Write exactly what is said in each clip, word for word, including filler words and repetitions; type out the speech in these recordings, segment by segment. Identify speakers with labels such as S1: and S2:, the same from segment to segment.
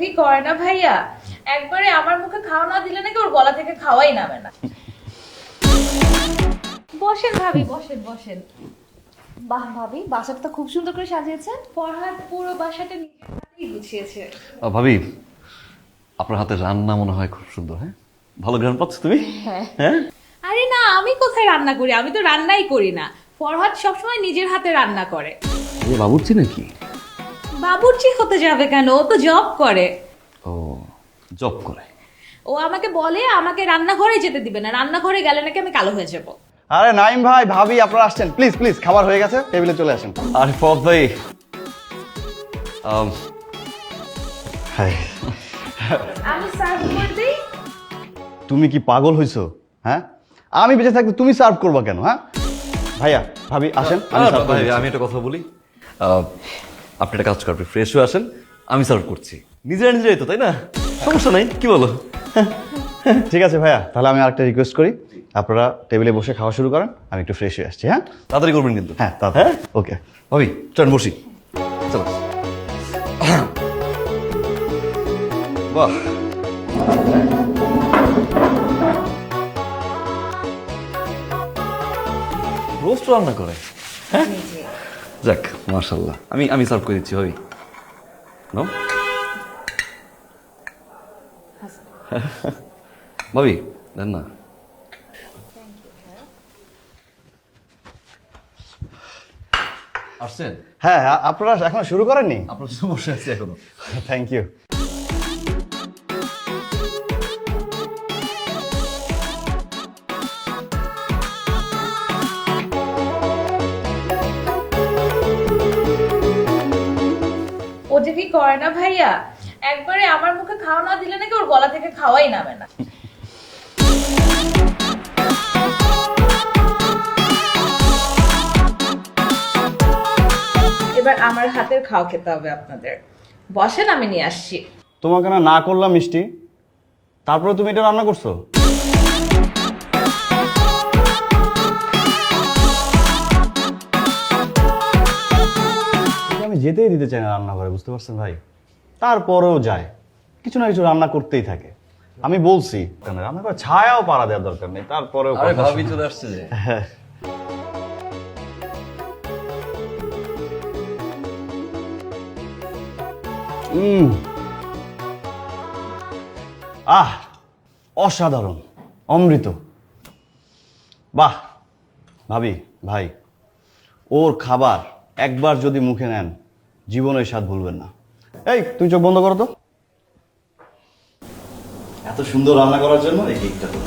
S1: কি করে না ভাইয়া, একবারে আমার মুখে খাওয়া না দিলে নাকি ওর গলা থেকে খাওয়াই নামে না। বসেন ভাবি, বসেন বসেন।
S2: বাহ ভাবি, বাসাটা তো খুব সুন্দর করে সাজিয়েছেন।
S1: ফরহাদ পুরো বাসাটা নিজের হাতেই গুছিয়েছে।
S3: আহ, ভাবি আপনার হাতে রান্না মনে হয় খুব সুন্দর। হ্যাঁ, ভালো গ্রান পাচ্ছ তুমি? হ্যাঁ।
S1: আরে না, আমি কোথায় রান্না করি, আমি তো রান্নাই করি না। ফরহাদ সবসময় নিজের হাতে রান্না করে।
S3: এ বাবুর্চি নাকি?
S1: বাবুর্চি হতে যাবে কেন, ও তো জব করে।
S3: ও জব করে?
S1: ও আমাকে বলে আমাকে রান্নাঘরে যেতে দিবে না, রান্নাঘরে গেলে নাকি আমি কালো হয়ে যাব।
S4: আরে নাইম ভাই, ভাবি আপনারা আসছেন, প্লিজ প্লিজ খাবার হয়ে গেছে, টেবিলে চলে আসেন।
S3: আরে ফদ ভাই, আম, হাই।
S1: আমি সার্ভ করে দিই।
S4: তুমি কি পাগল হইছো? হ্যাঁ, আমি বেঁচে থাকতে তুমি সার্ভ করবা কেন? হ্যাঁ ভাইয়া ভাবি আসেন, আমি
S3: আরে
S4: serve করে
S3: ভাই,
S4: দিচ্ছি।
S3: আমি একটা কথা বলি, আহ, আপনি একটা কাজ করবেন, ফ্রেশ হয়ে আসেন, আমি সার্ভ করছি। নিজেরা নিজেরাই তো, তাই না? সমস্যা নাই, কি বলো?
S4: ঠিক আছে ভাইয়া, তাহলে আমি আরেকটা রিকোয়েস্ট করি, আপনারা টেবিলে বসে খাওয়া শুরু করেন, আমি একটু ফ্রেশ হয়ে আসছি। হ্যাঁ
S3: তাড়াতাড়ি করবেন কিন্তু।
S4: হ্যাঁ তা
S3: হ্যাঁ?
S4: ওকে।
S3: ভাবি চল বসি, চলো। বাহ, রোস্ট রান্না করে? হ্যাঁ, যাক মাশাআল্লাহ। আমি আমি সার্ভ করে দিচ্ছি ভাবি। নাও ভাবি, দেন না। আসছেন?
S4: হ্যাঁ আ- আপনারা এখনো শুরু করেননি?
S3: আপনার জন্য বসে আছি এখনো।
S4: Thank you.
S1: ও যে কি করে না ভাইয়া, একবারে আমার মুখে খাওয়া না দিলে নাকি ওর গলা থেকে খাওয়াই নামে না। এবার আমার হাতের খাওয়া খেতে হবে আপনাদের। বসেন, আমি নিয়ে আসছি।
S4: তোমাকে না না করলাম মিষ্টি, তারপরে তুমি এটা রান্না করছো? আমি যেতেই দিতে চাই না রান্নাঘরে, বুঝতে পারছেন ভাই? তারপরেও যায়, কিছু না কিছু রান্না করতেই থাকে। আমি বলছি কেন রান্না করে ছায়াও পাড়া দেওয়ার দরকার নেই, তারপরেও
S3: আরে
S4: কথা
S3: ভাবি
S4: শোনে।
S3: চলে আসছে যে।
S4: হ্যাঁ। উম। আহ অসাধারণ, অমৃত। বাহ ভাবি ভাই, ওর খাবার একবার যদি মুখে নেন জীবনের স্বাদ ভুলবেন না। এই তুমি চোখ বন্ধ করো তো। এত সুন্দর রান্না করার জন্য এই কেকটা তো।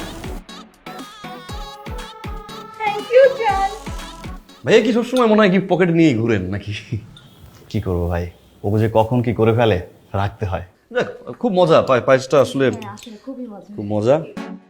S1: থ্যাংক ইউ জান।
S3: ভাইয়া কি সবসময় মনে হয় কি পকেটে নিয়ে ঘুরেন নাকি?
S4: কি করবো ভাই, ও যে কখন কি করে ফেলে রাখতে হয়।
S3: যাক, খুব মজা, পায়েসটা আসলে
S2: আসলে খুবই মজা।
S3: খুব মজা।